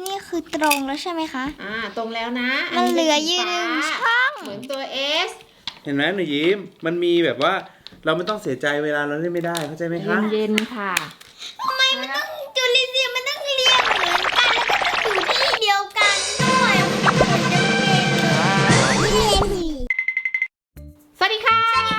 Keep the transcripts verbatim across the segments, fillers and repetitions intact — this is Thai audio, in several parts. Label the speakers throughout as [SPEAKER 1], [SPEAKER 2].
[SPEAKER 1] นี่คือตรงแล้วใช่ไหมคะ
[SPEAKER 2] อ่าตรงแล้วนะ
[SPEAKER 1] มันเหลือยืนหนึ่งช่อง
[SPEAKER 2] เหมือนตัว S
[SPEAKER 3] เห็นไหมหนูยิ้มมันมีแบบว่าเราไม่ต้องเสียใจเวลาเราเล่นไม่ได้เข้าใจไหมคะ
[SPEAKER 2] เย็นๆค่ะ
[SPEAKER 1] ทำไมมันต้องจุลินทรีย์มันต้องเรียงเหมือนกันแล้วก็ต้องอยู่ที่เดียวกันด้วยมันไม่เห็นจะเป็นเลย
[SPEAKER 2] สวัสดีค่ะ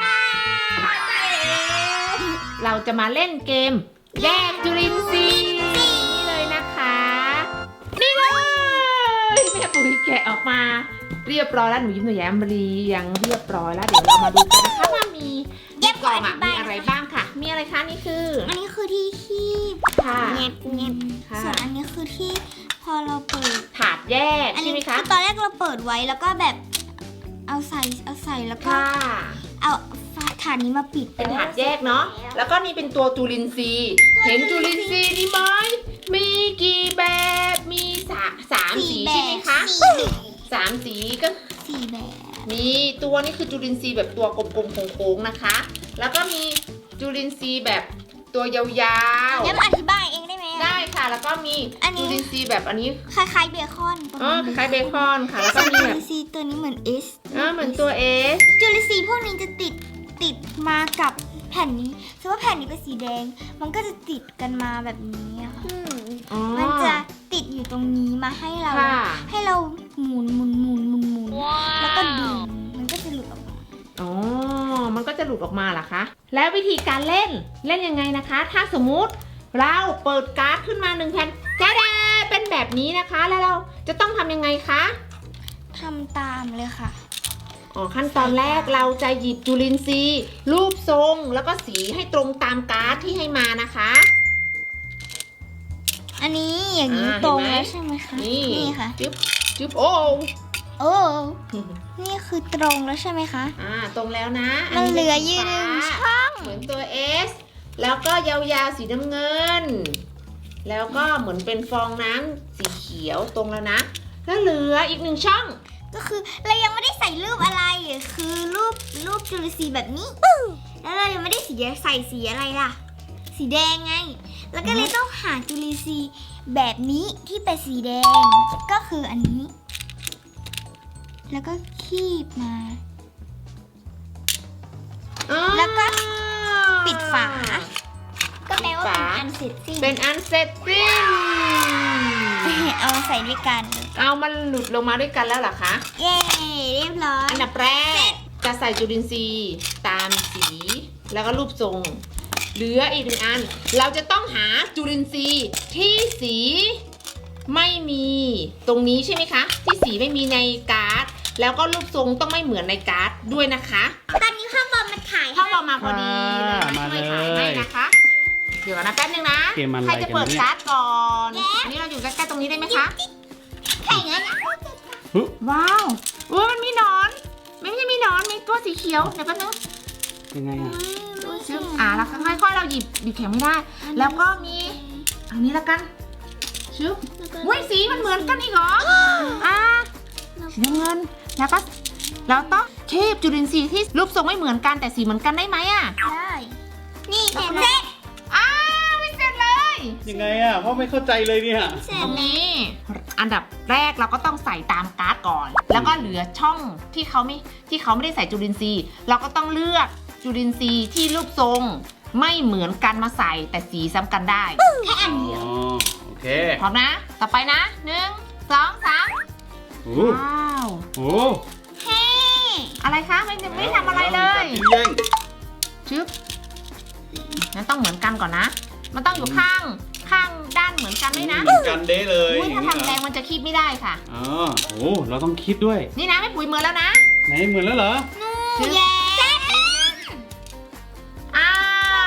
[SPEAKER 2] เราจะมาเล่นเกมแยกจุลินทรีย์นี่เลยนะคะนี่เลยแม่ปุ๋ยแกะออกมาเรียบร้อยแล้วหนูยิ้มหนูแย้มบรียังเรียบร้อยแล้วเดี๋ยวเรามาดูกันนะคะว่ามีในกล่องอะมีอะไรบ้างค่ะ มีอะไรคะนี่คือ
[SPEAKER 1] อันนี้คือที่คีบ
[SPEAKER 2] ค่ะ
[SPEAKER 1] เงียบเงียบ
[SPEAKER 2] ค่ะ
[SPEAKER 1] ส่วนอันนี้คือที่พอเราเปิด
[SPEAKER 2] ถาดแยก
[SPEAKER 1] อัน
[SPEAKER 2] ใช่
[SPEAKER 1] นี้
[SPEAKER 2] ไหม
[SPEAKER 1] คื
[SPEAKER 2] คะ
[SPEAKER 1] อตอนแรกเราเปิดไว้แล้วก็แบบเอาใส่เอาใส่แล้วก็
[SPEAKER 2] ค่ะ
[SPEAKER 1] เอาถาดนี้มาปิด
[SPEAKER 2] เป็นถาดแยกเนาะแล้วก็นี่เป็นตัวจุลินทรีย์เห็นจุลินทรีย์นี่ไหมมีกี่แบบมีสามสามสีใช่ไหมคะ
[SPEAKER 1] สี่แบบ
[SPEAKER 2] สามสีก็
[SPEAKER 1] สี่แบบ
[SPEAKER 2] มีตัวนี้คือจุลินทรีย์แบบตัวกลมๆโค้งๆนะคะ แล้วก็มีจุลินทรีย์แบบตัวยาว
[SPEAKER 1] งั้นอธิบายเองได้ไหม
[SPEAKER 2] ๆ ได้ค่ะ แล้วก็มี
[SPEAKER 1] อันนี้
[SPEAKER 2] จุลินทรีย์แบบอันนี้
[SPEAKER 1] คล้ายๆเบคอนประ
[SPEAKER 2] อ๋อ
[SPEAKER 1] มาณ
[SPEAKER 2] คล้ายๆเบคอนค่ะ แล้วก็มี
[SPEAKER 1] จุ
[SPEAKER 2] แบบ
[SPEAKER 1] ลินทรีย์ตัวนี้เหมือน S
[SPEAKER 2] อ๋อเหมือนตัว S
[SPEAKER 1] จุลินทรีย์พวกนี้จะติดติดมากับแผ่นนี้สมมติว่าแผ่นนี้เป็นสีแดง มันก็จะติดกันมาแบบนี้อะค่ะ
[SPEAKER 2] อ๋อ
[SPEAKER 1] มันจะติดอยู่ตรงนี้มาให้เรา
[SPEAKER 2] ค่ะ
[SPEAKER 1] ให้เราหมุนหมุนหมุนหมุนหมุนแล้วก็ดึงมันก็จะหลุดออกมา
[SPEAKER 2] อ๋อ มันก็จะหลุดออกมาเหรอคะ แล้ววิธีการเล่น เล่นยังไงนะคะ ถ้าสมมุติเราเปิดการ์ดขึ้นมาหนึ่งแผ่นแจ๊ดเป็นแบบนี้นะคะ แล้วเราจะต้องทำยังไงคะ
[SPEAKER 1] ทำตามเลยค่ะ
[SPEAKER 2] อ๋อ ขั้นตอนแรกเราจะหยิบจุลินทรีย์รูปทรงแล้วก็สีให้ตรงตามการ์ดที่ให้มานะคะ
[SPEAKER 1] อันนี้อย่างนี้
[SPEAKER 2] อ่า
[SPEAKER 1] ตรง
[SPEAKER 2] เห็นไหม
[SPEAKER 1] แล้วใช่ไหมคะ
[SPEAKER 2] นี่
[SPEAKER 1] ค่ะ
[SPEAKER 2] จึ๊บจึ๊บโอ้
[SPEAKER 1] โอ้นี่คือตรงแล้วใช่ไหมคะ
[SPEAKER 2] อ่า ตรงแล้วนะ
[SPEAKER 1] มันเหลือยืน
[SPEAKER 2] ป็
[SPEAKER 1] หนึ่ง
[SPEAKER 2] สี
[SPEAKER 1] ช่
[SPEAKER 2] ฟ้า
[SPEAKER 1] อง
[SPEAKER 2] เหมือนตัว S แล้วก็ยาวๆสีน้ำเงิน แล้วก็เหมือนเป็นฟองน้ำสีเขียวตรงแล้วนะ แล้วเหลืออีกหนึ่งช่อง
[SPEAKER 1] ก็คือเรายังไม่ได้ใส่รูปอะไรคือรูปรูปจุลินทรีย์แบบนี้แล้วเรายังไม่ได้สีใส่สีอะไรล่ะ สีแดงไง แล้วก็เลยต้องหาจุลินทรีย์แบบนี้ที่เป็นสีแดงก็คืออันนี้ แล้วก็คีบมา แล้วก็ปิดฝา ก็แปลว่าเป็นอันเสร็จสิ้น
[SPEAKER 2] เป็นอันเสร็จสิ้น
[SPEAKER 1] เอามาใส่ด้วยกัน
[SPEAKER 2] เอามันหลุดลงมาด้วยกันแล้วเหรอคะ
[SPEAKER 1] เย้เรียบร้อย
[SPEAKER 2] อันดับแรกจะใส่จุลินทรีย์ตามสีแล้วก็รูปทรง เหลืออีกหนึ่งอัน เราจะต้องหาจุลินทรีย์ที่สีไม่มีตรงนี้ใช่ไหมคะ ที่สีไม่มีในการ์ด แล้วก็รูปทรงต้องไม่เหมือนในการ์ดด้วยนะคะ
[SPEAKER 1] ตอนนี้พ่อบอมมาถ่าย
[SPEAKER 2] พ่อบอกมาพอดีเลย
[SPEAKER 3] มา
[SPEAKER 2] ช่วย
[SPEAKER 3] เล
[SPEAKER 2] ถ่ายให้
[SPEAKER 3] ย
[SPEAKER 2] นะคะ เดี๋ยวก่อนนะแป๊บนึงนะ
[SPEAKER 3] เกมอะไร
[SPEAKER 2] ใครจะเปิด
[SPEAKER 3] กันเนี่ย
[SPEAKER 2] การ์ดก่อนอันนี้เราอยู่ใกล้ๆตรงนี้ได้ไหมคะ
[SPEAKER 1] แข่งแล้วนะ
[SPEAKER 3] ฮึ
[SPEAKER 2] ว้าวเออมันมีหนอน ไม่ใช่มีหนอน มีตัวสีเขียว เดี๋ยวแป๊บนึง
[SPEAKER 3] ยังไงอ่ะ
[SPEAKER 2] ชึบอ่าแล้วค่อยๆเราหยิบหยิบแข็งไม่ได้ แล้วก็มีอันนี้ละกันชึบอุ้ยสีมันเหมือนกันอีกเหรอ อ่าสีน้ำเงิน แล้วก็เราต้องเทปจุลินทรีย์ที่รูปทรงไม่เหมือนกันแต่สีเหมือนกันได้ไหมอ่ะ
[SPEAKER 1] ได้ นี่เสร็จแล้ว
[SPEAKER 2] อ้าวไม่เสร็จเลย
[SPEAKER 3] ยังไงอ่ะพ่อไม่เข้าใจเลยเนี่ย
[SPEAKER 1] เสร็
[SPEAKER 2] ต
[SPEAKER 1] จ
[SPEAKER 2] รง
[SPEAKER 1] แล้ว
[SPEAKER 2] นี้อันดับแรกเราก็ต้องใส่ตามการ์ดก่อน แล้วก็เหลือช่องที่เขาไม่ที่เขาไม่ได้ใส่จุลินทรีย์ เราก็ต้องเลือกจุลินทรีย์ที่รูปทรงไม่เหมือนกันมาใส่แต่สีซ้ำกันได้
[SPEAKER 1] แค่อันเดียว
[SPEAKER 3] อ๋อโอเค
[SPEAKER 2] พร้อมนะ ต่อไปนะหนึ่งสองสาม
[SPEAKER 3] โอ้
[SPEAKER 2] ว้าว
[SPEAKER 3] โห
[SPEAKER 1] เฮ้
[SPEAKER 2] อะไรคะไม่ไม่ทำอะไรเลย
[SPEAKER 3] มีการแย่ง
[SPEAKER 2] ชึบงั้นต้องเหมือนกันก่อนนะ มันต้องอยู่ข้างข้างด้านเหมือนกันด้วยนะ
[SPEAKER 3] เหมือนกันเด้เลย
[SPEAKER 2] อุ้ยถ้าทำแรงมันจะคีบไม่ได้ค่ะ
[SPEAKER 3] อ๋อโอ้เราต้องคิดด้วย
[SPEAKER 2] นี่นะไม่ปุ๋ยมือแล้วนะ
[SPEAKER 3] ไหนเหมือนแล้วเหรอ
[SPEAKER 2] ชึบ
[SPEAKER 1] แย้ม
[SPEAKER 2] อ้าว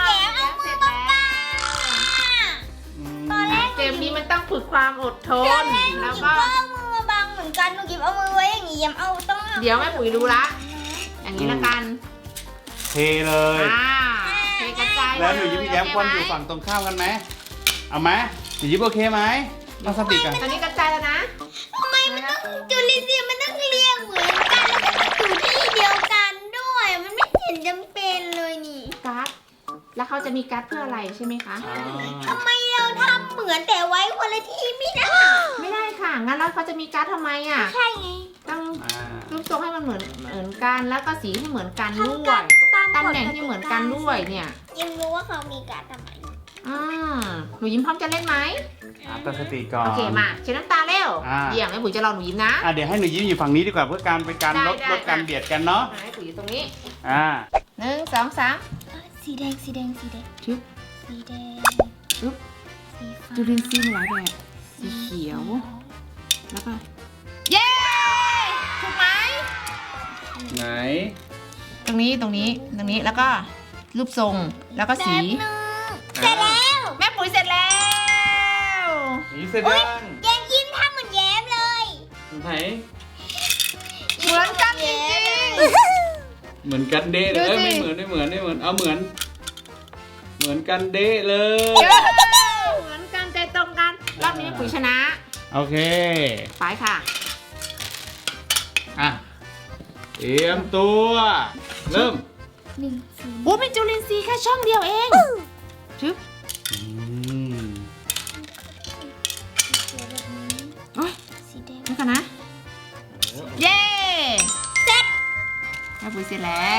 [SPEAKER 1] แย้มเอามือมาปา
[SPEAKER 3] อืม
[SPEAKER 1] ตอนแรก
[SPEAKER 2] เกมนี้มันต้องฝึกความอดทน
[SPEAKER 1] หนู
[SPEAKER 2] แล้ว
[SPEAKER 1] กิบ
[SPEAKER 2] ก็
[SPEAKER 1] ก็เอามือมาบังเหมือนกันหนูกิบเอามือไว้อย่างงี้ยังเอาต้องอา
[SPEAKER 2] เดี๋ยวแม่ปุ๋ยรู้ละ อย่างนี้ละกัน
[SPEAKER 3] เทเลย
[SPEAKER 2] อ่าเทกระจาย
[SPEAKER 3] แล้วหนูยิ้มแย้ม
[SPEAKER 2] โ
[SPEAKER 3] คนอยู่ฝั่งตรงข้ามกันไหมเอาไหมหนูยิ้มโอเคไหมพลาสติกอะ
[SPEAKER 2] ตอนนี้กระจายแล้วนะ
[SPEAKER 1] ทำไมมันต้องจุลินทรีย์มันต้องเรียงเหมือนกันแล้วก็ต้องอยู่ที่เดียวกันด้วย มันไม่เห็นจำเป็นเลยนี่
[SPEAKER 2] การ์ด แล้วเขาจะมีการ์ดเพื่ออะไรใช่ไหมคะ
[SPEAKER 3] อ่า
[SPEAKER 1] ทำไมเราทำเหมือนแต่ไว้คนละที่ไม่ได้
[SPEAKER 2] ไม่ได้แล้วเขาจะมีการ์ดทำไมอ่ะ
[SPEAKER 1] ใช่ไง
[SPEAKER 2] ต้อง
[SPEAKER 3] อ่า
[SPEAKER 2] รูปทรงให้มันเหมือนเหมือนกันแล้วก็สีให้เหมือนกันด้
[SPEAKER 1] ทำ
[SPEAKER 2] ว
[SPEAKER 1] กั
[SPEAKER 2] ย
[SPEAKER 1] นตาม
[SPEAKER 2] ตำแหน่งที่เหมือนกันด้วยเนี่ย
[SPEAKER 1] ยังรู้ว่าเขามีการทำไม
[SPEAKER 2] อ่าหนูยิ้มพร้อมจะเล่นไหม
[SPEAKER 3] อ่ะตั้งสติก่อน
[SPEAKER 2] โอเคมาเช็ดน้ำตาเร็ว
[SPEAKER 3] อ่า
[SPEAKER 2] เยี่ยมแม่ปุ๋ยจะรอหนูยิ้มนะ
[SPEAKER 3] อ่ะเดี๋ยวให้หนูยิ้มอยู่ฝั่งนี้ดีกว่าเพื่อการเป็นการ
[SPEAKER 2] ได้
[SPEAKER 3] ลด
[SPEAKER 2] ได้
[SPEAKER 3] ลดการ
[SPEAKER 2] อ่ะ
[SPEAKER 3] เบียดกันเนาะ
[SPEAKER 2] อ่าให้ปุ๋ยอยู่ตรงนี้
[SPEAKER 3] อ่า
[SPEAKER 2] หนึ่งสองสาม
[SPEAKER 1] สีแดงสีแดงสีแดง
[SPEAKER 2] ชึบ
[SPEAKER 1] สีแดง
[SPEAKER 2] อึ๊บ
[SPEAKER 1] สีฟ้า
[SPEAKER 2] จุลินทรีย์มีหลายแบบสีเขียวแล้วก็เย้ถูกไหม
[SPEAKER 3] ไหน
[SPEAKER 2] ตรงนี้ตรงนี้ตรงนี้แล้วก็รูปทรงแล้วก็สี
[SPEAKER 1] เสร็จแล้ว
[SPEAKER 2] แม่ปุ๋ยเสร็จแล้ว
[SPEAKER 3] นี่เสร็จยัง
[SPEAKER 1] แย้มยิ้มทำเหมือนแย้มเลย
[SPEAKER 3] ไหน
[SPEAKER 2] เหมือนกันจริง
[SPEAKER 3] เหมือนกันเดะเลย
[SPEAKER 2] ดู
[SPEAKER 3] เอ้ย
[SPEAKER 2] สิ
[SPEAKER 3] ไม่เหมือนไม่เหมือนไม่เหมือนเอาเหมือน เหมือนกันเดะเลย
[SPEAKER 2] ๆเหมือนกันใจตรงกันรอบนี้แม่ปุ๋ยชนะ
[SPEAKER 3] โอเค
[SPEAKER 2] ไปค่ะ
[SPEAKER 3] อ่ะเตรียมตัวเริ่ม
[SPEAKER 1] หนึ่งศูนย์
[SPEAKER 2] โอ้เป็นจุลินทรีย์แค่ช่องเดียวเองชึบ
[SPEAKER 3] อืม
[SPEAKER 1] เขียวแบบนี้
[SPEAKER 2] โอ้ย
[SPEAKER 1] สีแดง
[SPEAKER 2] นี่กันนะ เย้เสร็จแม่ปุ๋ยเสร็จแล้ว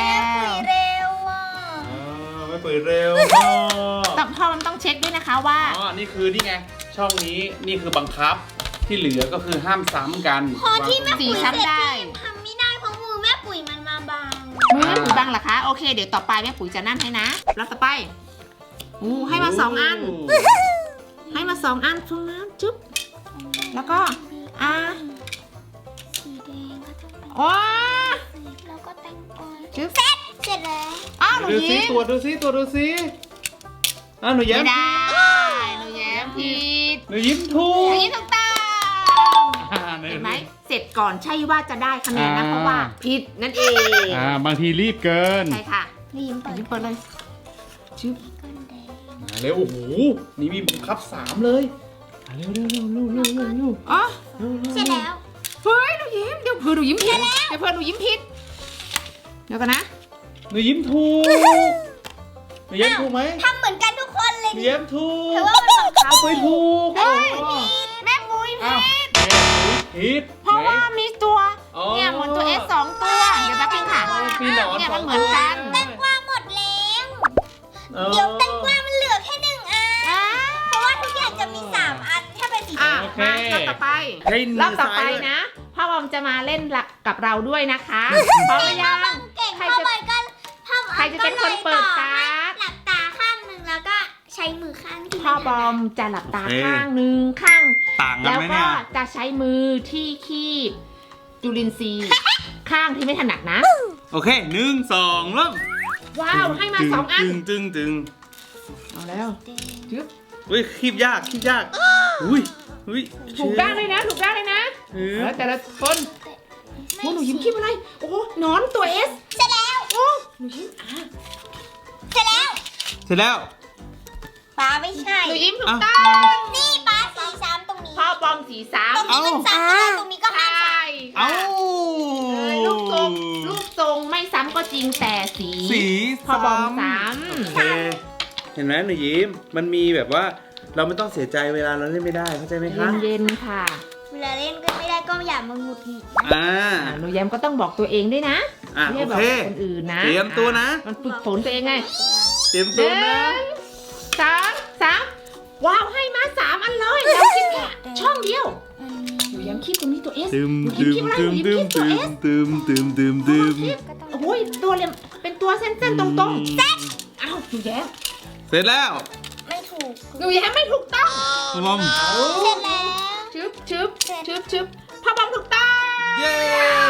[SPEAKER 1] เร็วอ่ะ
[SPEAKER 3] เออไม่เปิดเร็วพ่อ
[SPEAKER 2] แต่พ่อมันต้องเช็คด้วยนะคะว่า
[SPEAKER 3] อ๋อนี่คือนี่ไงช่องนี้นี่คือบังคับที่เหลือก็คือห้ามซ้ำกัน
[SPEAKER 1] พอที่แม่
[SPEAKER 2] สี
[SPEAKER 1] ปุ๋ยเสร็จ
[SPEAKER 2] ซ้ำได้
[SPEAKER 1] พี่ทำไม่ได้เพราะมือแม่ปุ๋ยมันมาบัง
[SPEAKER 2] มือแม่ปุ๋ยบังเหรอคะ โอเค เดี๋ยวต่อไปแม่ปุ๋ยจะนั่นให้นะแล้วต่อไปอู้ให้มาสองอัน ให้มาสองอันตรงนั้นจุ๊บ แล้วก็ อ่า
[SPEAKER 1] สีแดงก็ต้องเป็น
[SPEAKER 2] ว้า
[SPEAKER 1] สีแล้วก็แตงกวา
[SPEAKER 2] จุ๊บ
[SPEAKER 1] เสร็จเสร็จแล้ว
[SPEAKER 2] อ้าวหนู
[SPEAKER 3] ดูซิ
[SPEAKER 2] ยิ้ม
[SPEAKER 3] ตัวจดูซิตัวจดูซิอ่ะหนูยิ้
[SPEAKER 2] ไม่
[SPEAKER 3] ม
[SPEAKER 2] ได้หนูแย้มผิด
[SPEAKER 3] หนูยิ้มถู
[SPEAKER 2] หนู
[SPEAKER 3] ก
[SPEAKER 2] ยิ้มถูกต้อง
[SPEAKER 3] อ่า
[SPEAKER 2] เห็นไหมเสร็จก่อนใช่ว่าจะได้คะแนนนะ
[SPEAKER 3] อ่า
[SPEAKER 2] เพราะว่าผิดนั่นเอง
[SPEAKER 3] อ่าบางทีรีบเกิน
[SPEAKER 2] ใช่ค่ะ
[SPEAKER 1] นี่ยิ้ม
[SPEAKER 2] หนู
[SPEAKER 1] เปิด
[SPEAKER 2] ยิ้มเปิดเลยจุ๊บ
[SPEAKER 1] ก้อนแดง
[SPEAKER 3] มาเร็วโอ้โหนี่มีบังคับสามเลยอ่ะเร็วเร็วเร็วเร็วเร็วเร็วเร็ว
[SPEAKER 2] อ๋อ
[SPEAKER 1] เสร็จแล้ว
[SPEAKER 2] เฮ้ยหนูยิ้มเดี๋ยวเพื่อหนูยิ้มผิดเดี๋ยวเพื่อหนูยิ้มผิดเดี๋ยวกันนะ
[SPEAKER 3] หนูยิ้มถูกหนูยิ้มถูกไหม
[SPEAKER 1] ทำเหมือนกันทุกคนเลย
[SPEAKER 3] หนูยิ้มถูก
[SPEAKER 1] แต่ว่ามันบังคับ
[SPEAKER 3] ไปถูก
[SPEAKER 2] เฮ้ย
[SPEAKER 3] โอ้
[SPEAKER 2] แม่ปุ้ย
[SPEAKER 3] อ้าว
[SPEAKER 2] ผิด
[SPEAKER 3] แม่ปุ๋ยผิด
[SPEAKER 2] เพราะว่ามีตัว
[SPEAKER 3] อ๋อ
[SPEAKER 2] เนี่ยเหมือนตัว S สองตัว เดี๋ยวแป๊บนึงค่ะ
[SPEAKER 3] มีหนอน
[SPEAKER 2] เนี่ย
[SPEAKER 3] ส
[SPEAKER 2] มั
[SPEAKER 3] อน ง
[SPEAKER 2] เหมือนกัน
[SPEAKER 1] แตงกวาหมดแล้ว
[SPEAKER 3] ออ
[SPEAKER 1] เดี๋ยวแตงกวามันเหลือแค่หนึ่งอัน
[SPEAKER 2] อ่า
[SPEAKER 1] เพราะว่าทุกอย่างจะมีสามอันถ้าเป็นสี
[SPEAKER 2] อ่ะ
[SPEAKER 3] โอเค
[SPEAKER 2] มารอบต่อไป
[SPEAKER 3] ให้มื
[SPEAKER 2] รอบต่อไป
[SPEAKER 3] ซ้ายด้วย
[SPEAKER 2] นะพ่อบอมจะมาเล่นกับเราด้วยนะคะพร้อมหรือยัง
[SPEAKER 1] เก่ง
[SPEAKER 2] ใคร
[SPEAKER 1] เข้า
[SPEAKER 2] จะ
[SPEAKER 1] ไปก็ทำ
[SPEAKER 2] ใครจะเป็นคนเปิดการ์ด
[SPEAKER 1] หลับตาข้างหนึ่งแล้วก็ใช้มือข้างที่
[SPEAKER 2] พ่อบอมจะหลับตา
[SPEAKER 3] โอเค
[SPEAKER 2] ข้างหนึ่งข้าง
[SPEAKER 3] ต่างกัน
[SPEAKER 2] แล้ว
[SPEAKER 3] ไหม
[SPEAKER 2] ก็
[SPEAKER 3] เนี่ย
[SPEAKER 2] จะใช้มือที่คีบจุลินทรีย์ ข้างที่ไม่ถนัดนะ
[SPEAKER 3] โอเคหนึ่งสองเริ่ม
[SPEAKER 2] ว้าวให้มาสองอัน
[SPEAKER 3] ตึงตึงตึง
[SPEAKER 2] เอาแล้วจึ๊บ
[SPEAKER 3] อุ้ยคีบยากคีบยากอุ้ยอุ้ย
[SPEAKER 2] ถูกด้านเลยนะถูกด้านเลยนะ
[SPEAKER 3] เอ
[SPEAKER 2] เอ
[SPEAKER 3] อ
[SPEAKER 2] อแต่ละคนโอ้หนูยิ้มคีบอะไรโอ้หนอนตัวเอส
[SPEAKER 1] เสร็จแล้ว
[SPEAKER 2] โอ้หนูยิ้มอ่ะ
[SPEAKER 1] เสร็จแล้ว
[SPEAKER 3] เสร็จแล้ว
[SPEAKER 1] ป้าไม่ใช่
[SPEAKER 2] หนูยิ้มถูก
[SPEAKER 3] อ่ะ
[SPEAKER 2] ต้อง
[SPEAKER 1] นี่ป้าสีสามตรงนี้
[SPEAKER 2] พ่อบอมสีสาม
[SPEAKER 1] ตรงนี้มันสามแล้วตรงนี้ก็
[SPEAKER 2] ใช
[SPEAKER 1] ห้าสาม่
[SPEAKER 3] เอ้า
[SPEAKER 2] เลยรูปทรงรูปทรงไม่ซ้ำก็จริงแต่สี
[SPEAKER 3] สี
[SPEAKER 2] พ่อบอมสาม
[SPEAKER 3] โอเคเห็นไหมหนูยิ้มมันมีแบบว่าเราไม่ต้องเสียใจเวลาเราเล่นไม่ได้เข้าใจไหมคะ
[SPEAKER 2] เย็นๆค่ะ
[SPEAKER 1] เวลาเล่นก็ไม่ได้ก็อย่ามาหงุดหงิด
[SPEAKER 3] อ่า
[SPEAKER 2] อ่ะหนูแย้มก็ต้องบอกตัวเองด้วยนะ
[SPEAKER 3] อ่ะ
[SPEAKER 2] ไม่
[SPEAKER 3] โอ
[SPEAKER 2] ใช่บอก
[SPEAKER 3] เค
[SPEAKER 2] คนอื่นนะ
[SPEAKER 3] เตรียมตัวนะ
[SPEAKER 2] มันฝึกฝนตัวเองไง
[SPEAKER 3] เตรียม
[SPEAKER 2] ห
[SPEAKER 3] ตัว
[SPEAKER 2] นึ่
[SPEAKER 3] นะ
[SPEAKER 2] งสามสามว้าวให้มาสามอันเลยแล้วคิดแค่ช่องเดียวหนูแย้มคิดตรงนี้ตัวเอส
[SPEAKER 3] ตึม
[SPEAKER 2] หนูยิ้
[SPEAKER 3] ตึ
[SPEAKER 2] ม
[SPEAKER 3] ม
[SPEAKER 2] คิดอะไรห
[SPEAKER 3] ตึ
[SPEAKER 2] นู
[SPEAKER 3] ม
[SPEAKER 2] ยิ้ม
[SPEAKER 3] ตึ
[SPEAKER 2] คิ
[SPEAKER 3] ม
[SPEAKER 2] ดตัวเอส
[SPEAKER 3] ตึมตึมตึมตึมตึม
[SPEAKER 2] โอ้ยตัวเหลี่ยมเป็นตัวเส้นๆตรงๆเซ็ตอ้าวหนูแย้ม
[SPEAKER 3] เสร็จแล้ว
[SPEAKER 1] ไม่ถูก
[SPEAKER 2] หนูแย้มไม่ถูกต้อง
[SPEAKER 3] พ่อบอม
[SPEAKER 1] เสร็จแล้ว
[SPEAKER 2] ชึบชึบชึบชึบพ่อบอมถูกต้อง
[SPEAKER 3] เย้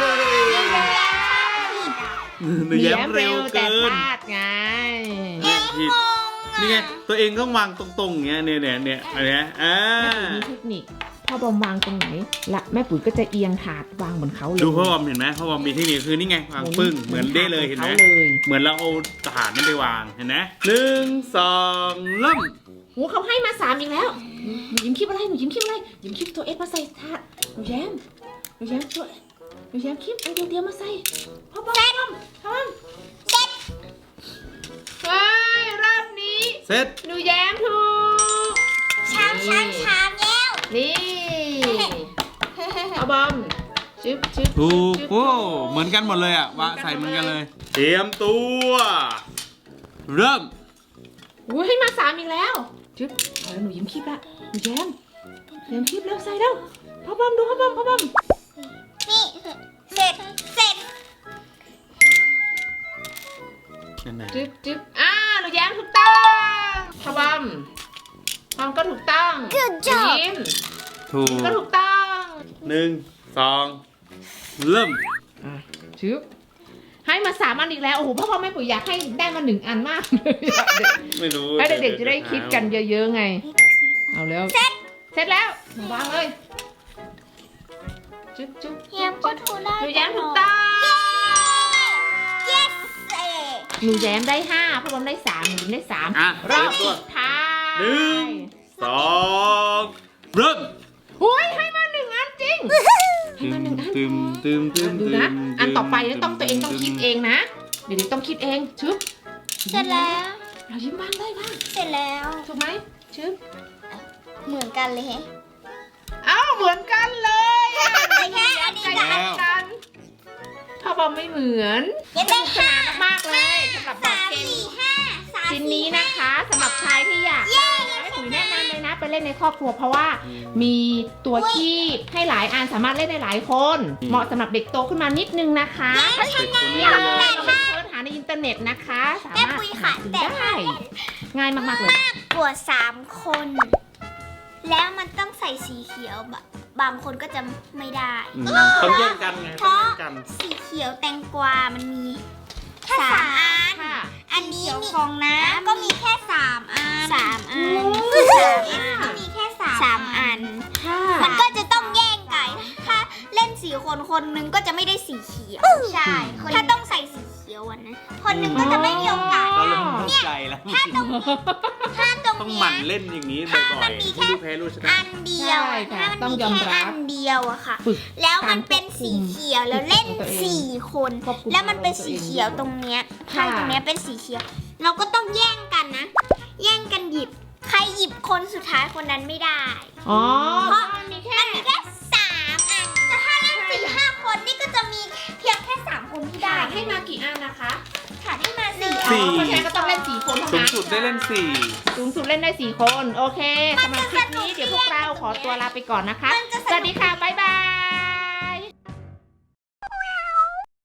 [SPEAKER 3] หนูแย้มเร็ว
[SPEAKER 2] แต่
[SPEAKER 3] เกิ
[SPEAKER 2] พ
[SPEAKER 3] น
[SPEAKER 2] ลาดไง
[SPEAKER 3] ผิดนี่ไงตัวเองต้องวางตรงๆอย่างเงี้ยเนี่ยเนี่ยเนี่ยอันเนี้ยอ่า
[SPEAKER 2] แม่ปุ๋ยมีเทคนิคพ่อบอมวางตรงไหนละแม่ปุ๋ยก็จะเอียงถาดวางเหมือนเขาเลย
[SPEAKER 3] ดูพ่อบอมเห็นไหมพ่อบอมมีเทคนิคคือนี่ไงวางปึ้งเหมือนได้เลยเห็นไหม
[SPEAKER 2] ขาเลย
[SPEAKER 3] เหมือนเราเอาถาดนั้นไปวางเห็นไหมหนึ่งสองเริ่ม
[SPEAKER 2] โอ้เขาให้มาสามอีกแล้วหนูยิ้มคลิปอะไรหนูยิ้มคลิปอะไรยิ้มคลิปตัวเอสมาใส่ถาดหนูแย้มหนูแย้มตัวหนูแย้มคลิปอันเดียวเดียวมาใส่พ่อบอมพ่อบอมพ่อบอมเซ็ตเฮ้ยรอบนี้
[SPEAKER 3] เสร็จ
[SPEAKER 2] หนูแย้มถูก
[SPEAKER 1] ชามชามชามแล้ว
[SPEAKER 2] นี่เอาบอมชึบชึบ
[SPEAKER 3] ถูก
[SPEAKER 2] ชึบ
[SPEAKER 3] โอ้เหมือนกันหมดเลยอ่ะวะใส่เหมือนกันเลย เตรียมตัว เริ่ม
[SPEAKER 2] อุ้ยให้มาสามอีกแล้วชึบเอาแล้วหนูยิ้มคีบละหนูแย้มแย้มคีบแล้วใส่แล้วพ่อบอมดูพ่อบอมพ่อบอม
[SPEAKER 1] นี่เสร็จเสร็จ
[SPEAKER 3] นั่นนะ
[SPEAKER 2] จึ๊บจึ๊บอ่าหนูแย้มถูกต้องพ่อบอมบอมก็ถูกต้องหนูยิ้ม
[SPEAKER 3] ถูก
[SPEAKER 2] ก็ถูกต้อง
[SPEAKER 3] หนึ่งสองเริ่ม
[SPEAKER 2] อ่ะชึบให้มาสามอันอีกแล้วโอ้โหพ่อพ่อแม่ปุ๋ยอยากให้ได้มาหนึ่งอันมากเลยอะเด็ก
[SPEAKER 3] ไม่รู้
[SPEAKER 2] ให้เด็กๆจะได้คิดกันเยอะๆไง เอาแล้วเสร็จเสร็จแล้วหนูวางเลยจึ๊บจึ๊บ
[SPEAKER 1] แย้มก็ถูกได้
[SPEAKER 2] หนูแย้มถูกต้อง
[SPEAKER 1] yes เอ๊ะ
[SPEAKER 2] หนูแย้มได้ห้าพ่อบอมได้สามหนูยิ้มได้สาม
[SPEAKER 3] อ่ะ
[SPEAKER 2] รอบ
[SPEAKER 3] เตรียมตัว
[SPEAKER 2] สุดท้าย
[SPEAKER 3] หนึ่งสองเริ่ม
[SPEAKER 2] อุ้ยให้มาหนึ่งอันจริงให้มาหนึ่งอัน
[SPEAKER 3] ตึมตึมตึม
[SPEAKER 2] ดูนะ อันต่อไปต้องตัวเองต้องคิดเองนะ เดี๋ยวๆต้องคิดเองชึบ
[SPEAKER 1] เสร็จแล้ว
[SPEAKER 2] เรายิ้มบ้างได้บ้าง
[SPEAKER 1] เสร็จแล้ว
[SPEAKER 2] ถูกไหมชึบ
[SPEAKER 1] เหมือนกันเลยแฮะ
[SPEAKER 2] เอ้าเหมือนกันเลยอะ
[SPEAKER 1] แต่แค่อันนี้
[SPEAKER 2] ใจ
[SPEAKER 1] ได้
[SPEAKER 2] เดียวกันพ่อบอมไม่เหมือน
[SPEAKER 1] ยังได้ห้าม
[SPEAKER 2] ากเลยสำหรับบอ
[SPEAKER 1] สา
[SPEAKER 2] ร์ด
[SPEAKER 1] ม
[SPEAKER 2] เกม
[SPEAKER 1] สี่ห้าสาม
[SPEAKER 2] ชิ้น
[SPEAKER 1] สี่
[SPEAKER 2] นี้
[SPEAKER 1] ห้า
[SPEAKER 2] นะคะสำหรับใครที่อยากได้นะแม่ปุ๋ยแนะนำเลยนะไปเล่นในครอบครัวเพราะว่ามีตัวคีบให้หลายอันสามารถเล่นได้หลายคน เหมาะสำหรับเด็กโตขึ้นมานิดนึงนะคะ
[SPEAKER 3] เด็กคนนี้
[SPEAKER 2] นี่
[SPEAKER 3] เล
[SPEAKER 2] เลย
[SPEAKER 3] ย
[SPEAKER 2] เราไปเสิร์ชหาในอินเทอร์เน็ตนะคะ สา
[SPEAKER 1] แม่
[SPEAKER 2] มารถ
[SPEAKER 1] ปุยค่ะ
[SPEAKER 2] หาซื้อ
[SPEAKER 1] แต่
[SPEAKER 2] ได้ ง่ายมากๆเลย
[SPEAKER 1] กว่าสามคน แล้วมันต้องใส่สีเขียวบะบางคนก็จะไม่ได้
[SPEAKER 3] อืมต้องแย่งกันไง
[SPEAKER 1] เพ
[SPEAKER 3] ต้อง
[SPEAKER 1] ราะ
[SPEAKER 3] แย่งกัน
[SPEAKER 1] สีเขียวแตงกวามันมีแค่สามอัน
[SPEAKER 2] ค่ะ
[SPEAKER 1] อันนี้มีของน้ำก็มีแค่สามอันสามอัน
[SPEAKER 2] โอ้
[SPEAKER 1] สามอันก็มีแค่สามสามอัน
[SPEAKER 2] ค่ะ
[SPEAKER 1] มันก็จะต้องแย่งกันถ้าเล่นสีคนคนหนึงก็จะไม่ได้สีเขียว ใช่ ถ้าต้องใส่สีเขียวอ่ะนะ คนหนึงก็จะไม่มีโอกาส
[SPEAKER 3] เราเริ่มเข้าใจแล้ว
[SPEAKER 1] ถ้าตรงนี้ถ้าตรง
[SPEAKER 3] ต้องห
[SPEAKER 1] เนี้
[SPEAKER 3] มั่น
[SPEAKER 1] ย
[SPEAKER 3] เล่นอย่างนี้
[SPEAKER 1] ถ้า
[SPEAKER 3] บ่
[SPEAKER 1] มั
[SPEAKER 3] อย
[SPEAKER 1] นมี
[SPEAKER 3] ๆ
[SPEAKER 1] แค่
[SPEAKER 3] ไม่รู้แพ้รู้ชนะ
[SPEAKER 1] อันเดียวอะ
[SPEAKER 2] ใช่ค่ะ
[SPEAKER 1] ถ้ามัน
[SPEAKER 2] ต้อง
[SPEAKER 1] มี
[SPEAKER 2] ยอม
[SPEAKER 1] แค่
[SPEAKER 2] รับ
[SPEAKER 1] อันเดียวอะค่ะ
[SPEAKER 2] ฝึก
[SPEAKER 1] แล้วมันเป็นสีเขียวแล้วเล่น
[SPEAKER 2] ควบคุมตัวเอง
[SPEAKER 1] สี่คน
[SPEAKER 2] ควบคุม
[SPEAKER 1] แล้วมันเป็นสีเขียวตรงเนี้ยข้างตรงเนี้ยเป็นสีเขียว เราก็ต้องแย่งกันนะ แย่งกันหยิบ ใครหยิบคนสุดท้ายคนนั้นไม่ได้
[SPEAKER 2] อ๋อ
[SPEAKER 1] เพราะ
[SPEAKER 2] มันมีแค่
[SPEAKER 1] มันมีแค่สามอันแต่ถ้าเล่นสี่ห้าคนนี่ก็จะมีเพียงแค่สามคนที่ได้
[SPEAKER 2] ขาดให้มากี่อันนะคะ
[SPEAKER 1] ขาดให้มาสี่
[SPEAKER 3] สี่
[SPEAKER 2] อ๋อเพราะฉะนั้นก็ต้องเล่นสี่คนเท่า
[SPEAKER 3] สูง
[SPEAKER 2] นั้น
[SPEAKER 3] สุดได้เล่นสี่
[SPEAKER 2] สูงสุดเล่นได้สี่คน โอเคสำหรับคลิปนี้เดี๋ยวพวกเราขอตัวลาไปก่อนนะคะ สวัสดีค่ะ บ๊ายบาย